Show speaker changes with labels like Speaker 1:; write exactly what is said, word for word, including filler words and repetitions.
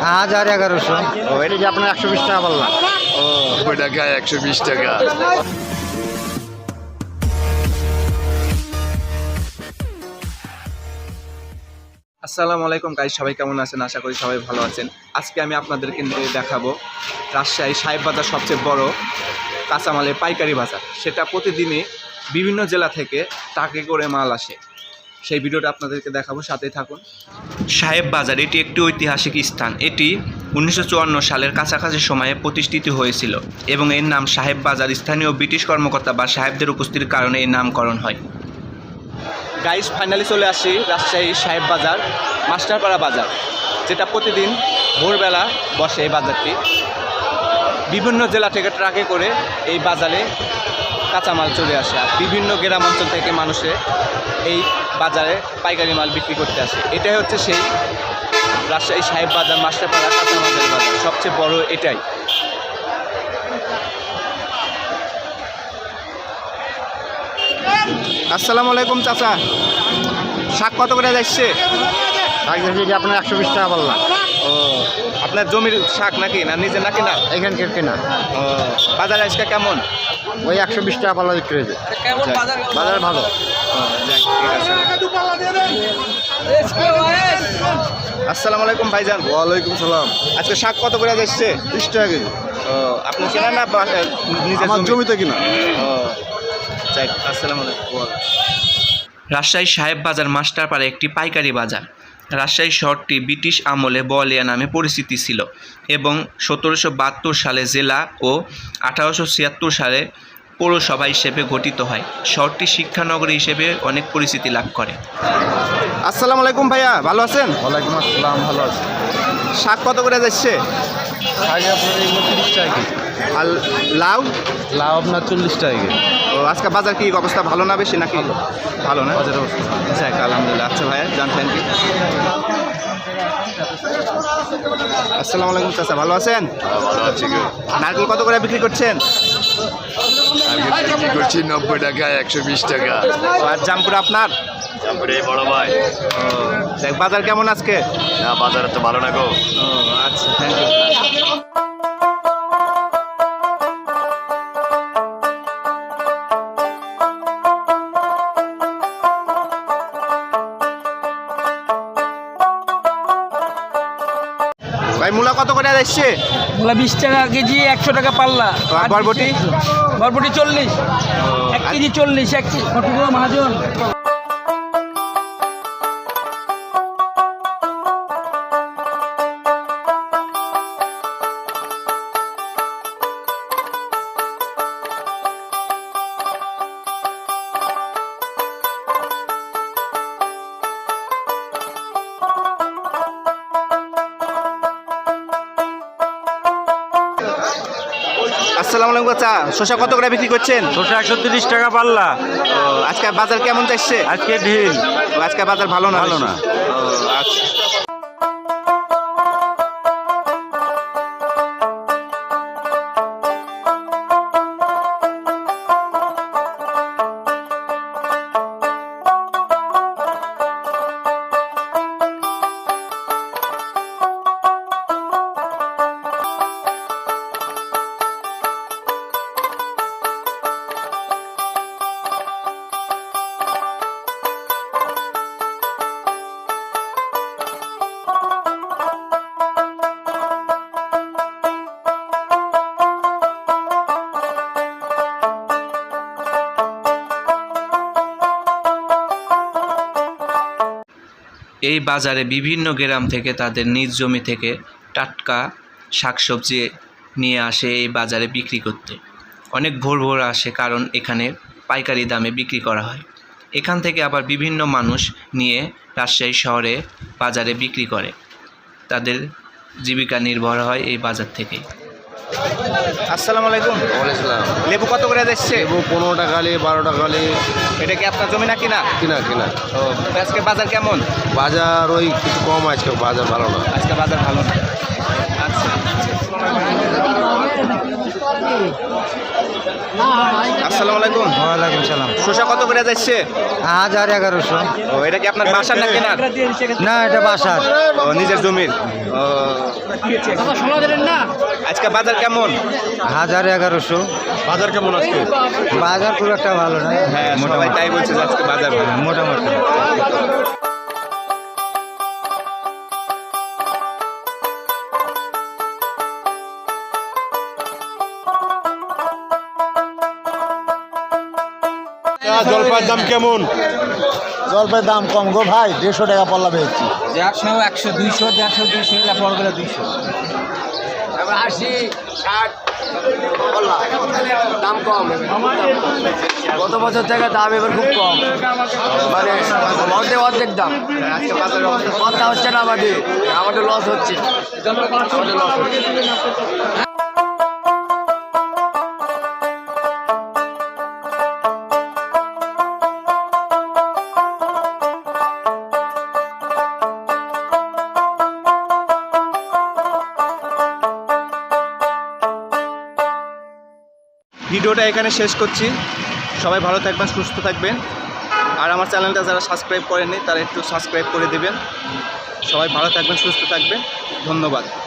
Speaker 1: হাজার এগারোশো।
Speaker 2: ও এটা কি আপনার একশো বিশ টাকা বললাম?
Speaker 3: ও নব্বই টাকা একশো বিশ টাকা।
Speaker 4: আসসালামু আলাইকুম গাইস, সবাই কেমন আছেন? আশা করি সবাই ভালো আছেন। আজকে আমি আপনাদেরকে নিয়ে দেখাবো রাজশাহী সাহেব বাজার, সবচেয়ে বড় কাঁচামালের পাইকারি বাজার। সেটা প্রতিদিনই বিভিন্ন জেলা থেকে ট্রাকে করে মাল আসে। সেই ভিডিওটা আপনাদেরকে দেখাবো, সাথেই থাকুন। সাহেব বাজার এটি একটি ঐতিহাসিক স্থান। এটি উনিশশো চুয়ান্ন সালের কাছাকাছি সময়ে প্রতিষ্ঠিত হয়েছিল এবং এর নাম সাহেব বাজার স্থানীয় ব্রিটিশ কর্মকর্তা বা সাহেবদের উপস্থিতির কারণে এর নামকরণ হয়। গাইস, ফাইনালি চলে আসি রাজশাহী সাহেব বাজার, মাস্টারপাড়া বাজার, যেটা প্রতিদিন ভোরবেলা বসে। এই বাজারটি বিভিন্ন জেলা থেকে ট্রাকে করে এই বাজারে কাঁচামাল চলে আসে, আর বিভিন্ন গ্রাম অঞ্চল থেকে মানুষে এই বাজারে পাইকারি মাল বিক্রি করতে আসে। এটাই হচ্ছে সেই রাজশাহী সাহেব বাজার, মাস্টারপাড়া কাঁচামালের বাজার, সবচেয়ে বড় এটাই। আসসালামু আলাইকুম চাচা, শাক কত করে যাচ্ছে?
Speaker 2: শাক যে আপনার একশো বিশ টাকা বললাম।
Speaker 4: ও আপনার জমির শাক নাকি, না নিজে নাকি? না
Speaker 2: এখানকার কেনা।
Speaker 4: ও বাজার আজকে কেমন?
Speaker 2: ওই একশো বিশ টাকা পাল্লা বিক্রি হয়েছে। বাজার ভালো।
Speaker 4: আসসালামু আলাইকুম ভাইজান।
Speaker 3: ওয়ালাইকুম সালাম।
Speaker 4: আজকে শাক কত করে যাচ্ছে?
Speaker 3: বিশ টাকা কেজি।
Speaker 4: ও আপনি কেনা না নিজের
Speaker 3: আমার জমিতে কিনা?
Speaker 4: ও যাই, আসসালামু আলাইকুম। রাজশাহী সাহেব বাজার মাস্টারপাড়া একটি পাইকারি বাজার। রাজশাহী শহরটি ব্রিটিশ আমলে বলিয়া নামে পরিচিতি ছিল এবং সতেরোশো বাহাত্তর সালে জেলা ও আঠারোশো ছিয়াত্তর সালে পৌরসভা হিসেবে গঠিত হয়। শহরটি শিক্ষানগরী হিসেবে অনেক পরিচিতি লাভ করে। আসসালামু আলাইকুম ভাইয়া, ভালো আছেন?
Speaker 3: ওয়ালাইকুম আসসালাম, ভালো আছি।
Speaker 4: শাক কত করে যাচ্ছে?
Speaker 3: শাক আপনার এগুলো তিরিশ টাকা কেজি।
Speaker 4: আর লাউ?
Speaker 3: লাউ আপনার চল্লিশ টাকা কেজি।
Speaker 4: ও আজকে বাজার কি অবস্থা, ভালো না বেশি নাকি? ভালো না
Speaker 3: বাজারের অবস্থা
Speaker 4: যাক, আলহামদুলিল্লাহ। আচ্ছা ভাইয়া, জান, থ্যাংক ইউ। আসসালামু আলাইকুম চাচা, ভালো আছেন?
Speaker 3: ভালো আছে কেউ?
Speaker 4: নারকেল কত করে বিক্রি করছেন?
Speaker 3: আমি বিক্রি করছি নব্বই টাকা একশো বিশ টাকা।
Speaker 4: আর জামপুরা আপনার?
Speaker 3: তারপরে বড় ভাই।
Speaker 4: ও দেখ, বাজার কেমন আজকে?
Speaker 3: না বাজারে তো ভালো না গো।
Speaker 4: ও আচ্ছা, থ্যাংক ইউ। ভাই মূলা কত করে যাচ্ছে?
Speaker 5: মূলা বিশ টাকা কেজি, একশো টাকা পাল্লা।
Speaker 4: আর বরবটি?
Speaker 5: বরবটি চল্লিশ, এক কেজি চল্লিশ, এক কেজি মহাজন।
Speaker 4: আসসালামু আলাইকুম চাচা, শসা কত করে বিক্রি করছেন?
Speaker 5: শসা একশো তিরিশ টাকা পাল্লা।
Speaker 4: ও আজকে বাজার কেমন যাচ্ছে?
Speaker 5: আজকে ঢিল।
Speaker 4: ও, আজকে বাজার ভালো না?
Speaker 5: ভালো না।
Speaker 4: ও আচ্ছা। এই বাজারে বিভিন্ন গ্রাম থেকে তাদের নিজ জমি থেকে টাটকা শাকসবজি নিয়ে আসে এই বাজারে বিক্রি করতে। অনেক ভোর ভোর আসে, কারণ এখানে পাইকারি দামে বিক্রি করা হয়। এখান থেকে আবার বিভিন্ন মানুষ নিয়ে রাজশাহী শহরে বাজারে বিক্রি করে। তাদের জীবিকা নির্ভর হয় এই বাজার থেকে। আসসালামু আলাইকুম।
Speaker 2: ওয়ালাইকুম।
Speaker 4: লেবু কত করে যাচ্ছে?
Speaker 2: লেবু পনেরো টাকা লে, বারো টাকা লে।
Speaker 4: এটা কি আপনার জমি না কিনা?
Speaker 2: কিনা কিনা।
Speaker 4: ও আজকে বাজার কেমন?
Speaker 2: বাজার ওই কিছু কম, আজকে বাজার ভালো না।
Speaker 4: আজকে বাজার ভালো না। আচ্ছা। আসসালামু আলাইকুম।
Speaker 2: ওয়ালাইকুম সালাম।
Speaker 4: শসা কত করে যাচ্ছে?
Speaker 2: হাজার এগারোশো।
Speaker 4: ও এটা কি আপনার বাসার না কেনার?
Speaker 2: না, এটা বাসার।
Speaker 4: ও নিজের জমির। ও আজকে বাজার কেমন?
Speaker 2: হাজার এগারোশো।
Speaker 3: বাজার কেমন আজকে?
Speaker 2: বাজার খুব একটা ভালো না।
Speaker 4: হ্যাঁ সবাই তাই বলছে যে আজকে বাজার ভালো।
Speaker 2: মোটামুটি।
Speaker 3: জলপাইয়ের দাম কেমন?
Speaker 2: জলপাইয়ের দাম কম গো ভাই, দেড়শো টাকা পল্লা পেয়েছি।
Speaker 5: একশো একশো দুইশো দেড়শো দুইশো এটা পর গেলে দুইশো।
Speaker 2: আশি ষাট দাম কম। গত বছর থেকে দাম এবার খুব কম, মানে অর্ধেক অর্ধেক দাম।
Speaker 4: আজকে বাজারের অবস্থা
Speaker 2: কথা হচ্ছে না আমাদের, আমাদের লস হচ্ছে, আমাদের লস হচ্ছে।
Speaker 4: ভিডিওটা এখানে শেষ করছি। সবাই ভালো থাকবেন, সুস্থ থাকবেন। আর আমার চ্যানেলটা যারা সাবস্ক্রাইব করেননি তারা একটু সাবস্ক্রাইব করে দেবেন। সবাই ভালো থাকবেন, সুস্থ থাকবেন। ধন্যবাদ।